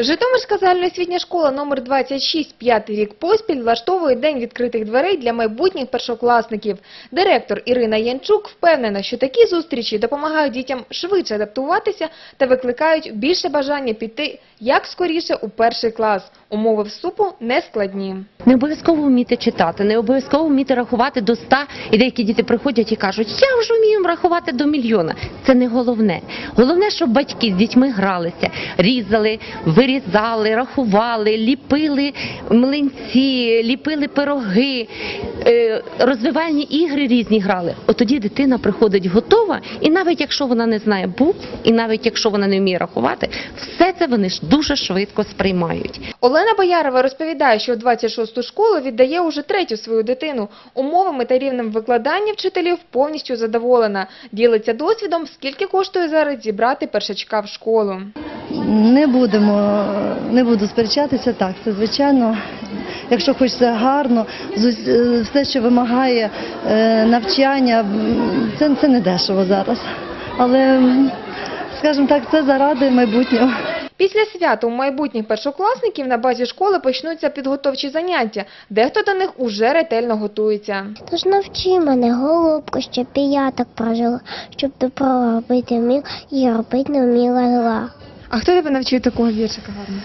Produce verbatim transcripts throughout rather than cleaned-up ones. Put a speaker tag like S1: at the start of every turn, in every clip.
S1: Житомирська загальноосвітня школа номер двадцять шість п'ятий рік поспіль влаштовує День відкритих дверей для майбутніх першокласників. Директор Ірина Янчук впевнена, що такі зустрічі допомагають дітям швидше адаптуватися та викликають більше бажання піти як скоріше у перший клас. Умови вступу не складні.
S2: Не обов'язково вміти читати, не обов'язково вміти рахувати до ста. І деякі діти приходять і кажуть, я вже вмію рахувати до мільйона. Це не головне. Головне, щоб батьки з дітьми гралися, різали, вирізали, рахували, ліпили млинці, ліпили пироги, розвивальні ігри різні грали. От тоді дитина приходить готова, і навіть якщо вона не знає букв, і навіть якщо вона не вміє рахувати, все це вони ж дуже швидко сприймають.
S1: Олена Боярова розповідає, що у двадцять шосту школу віддає уже третю свою дитину. Умовами та рівнем викладання вчителів повністю задоволена. Ділиться досвідом, скільки коштує зараз зібрати першачка в школу.
S3: Не будемо, не буду сперечатися, так, це звичайно. Якщо хочеться гарно, все, що вимагає навчання, це, це не дешево зараз. Але, скажімо так, це заради майбутнього.
S1: Після свята у майбутніх першокласників на базі школи почнуться підготовчі заняття. Дехто до них уже ретельно готується.
S4: Тож навчи мене, голубко, щоб і я так прожила, щоб добро робити вмів і робити не вміла зла.
S1: А хто тебе навчив такого віршика гарно?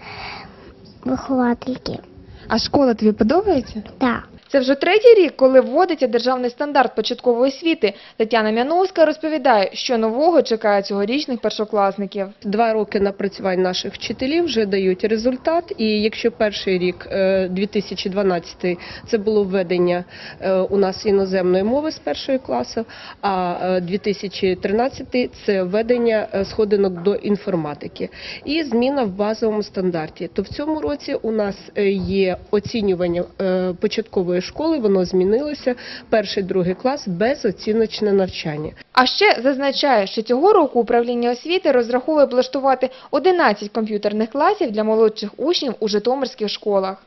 S4: Виховательки.
S1: А школа тобі подобається?
S4: Так.
S1: Це вже третій рік, коли вводиться державний стандарт початкової освіти. Тетяна Мяновська розповідає, що нового чекає цьогорічних першокласників.
S5: Два роки напрацювань наших вчителів вже дають результат. І якщо перший рік, дві тисячі дванадцятий, це було введення у нас іноземної мови з першого класу, а дві тисячі тринадцятий – це введення сходинок до інформатики і зміна в базовому стандарті. То в цьому році у нас є оцінювання початкової школи, воно змінилося, перший, другий клас, безоціночне навчання.
S1: А ще зазначає, що цього року управління освіти розраховує облаштувати одинадцять комп'ютерних класів для молодших учнів у житомирських школах.